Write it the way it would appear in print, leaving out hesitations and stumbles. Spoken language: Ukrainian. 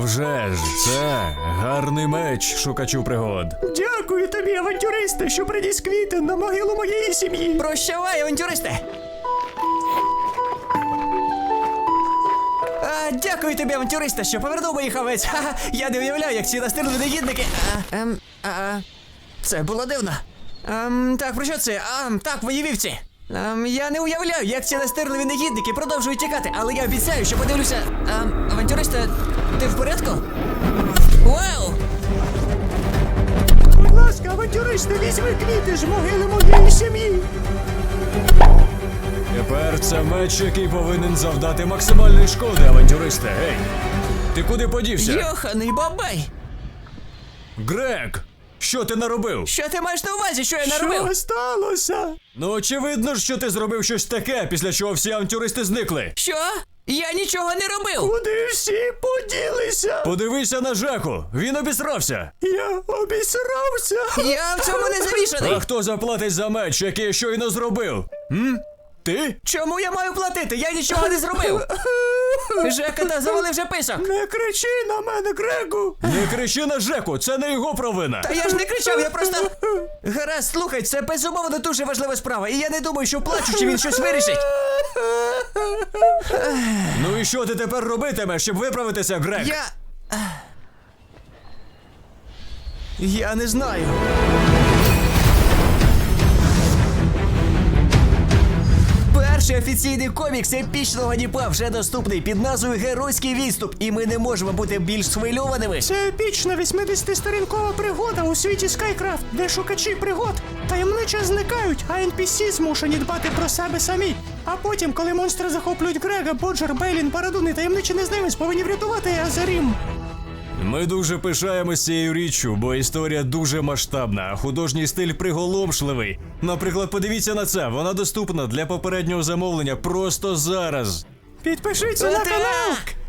вже ж, це гарний меч шукачу пригод. Дякую тобі, авантюристе, що приніс квіти на могилу моєї сім'ї. Прощавай, авантюристе! Дякую тобі, авантюристе, що повернув моїх овець. Ха-ха, я не уявляю, як ці настирливі негідники. Це було дивно. Так, про що це? Так, мої вівці. Я не уявляю, як ці настирливі негідники продовжують тікати, але я обіцяю, що подивлюся. Авантюристе, ти в порядку? Вау! Будь ласка, авантюристе, візьми квіти з могили моєї сім'ї. Тепер це меч, який повинен завдати максимальної шкоди, авантюристе. Гей, ти куди подівся? Йоханий бабай! Грег, що ти наробив? Що ти маєш на увазі, що я наробив? Що сталося? Ну, очевидно ж, що ти зробив щось таке, після чого всі авантюристи зникли. Що? Я нічого не робив! Куди всі поділися? Подивися на Жеку, він обісрався. Я обісрався. Я в цьому не завішаний! А хто заплатить за меч, який я щойно зробив? Ти? Чому я маю платити? Я нічого не зробив! Жека та завалив вже писок! Не кричи на мене, Грегу. Не кричи на Жеку, це не його провина. Та я ж не кричав, я просто... Гаразд, слухай, це безумовно дуже важлива справа, і я не думаю, що плачучи він щось вирішить. Ну і що ти тепер робитимеш, щоб виправитися, Грег? Я не знаю. Перший офіційний комікс епічного Дніпа вже доступний під назвою «Геройський відступ», і ми не можемо бути більш схвильованими. Це епічна 80-сторінкова пригода у світі Скайкрафт, де шукачі пригод таємниче зникають, а NPC змушені дбати про себе самі. А потім, коли монстри захоплюють Грега, Боджер, Бейлін, Барадун і таємничий незнайомець повинні врятувати Азарім. Ми дуже пишаємось цією річчю, бо історія дуже масштабна, а художній стиль приголомшливий. Наприклад, подивіться на це, вона доступна для попереднього замовлення просто зараз. Підпишіться на канал! Так!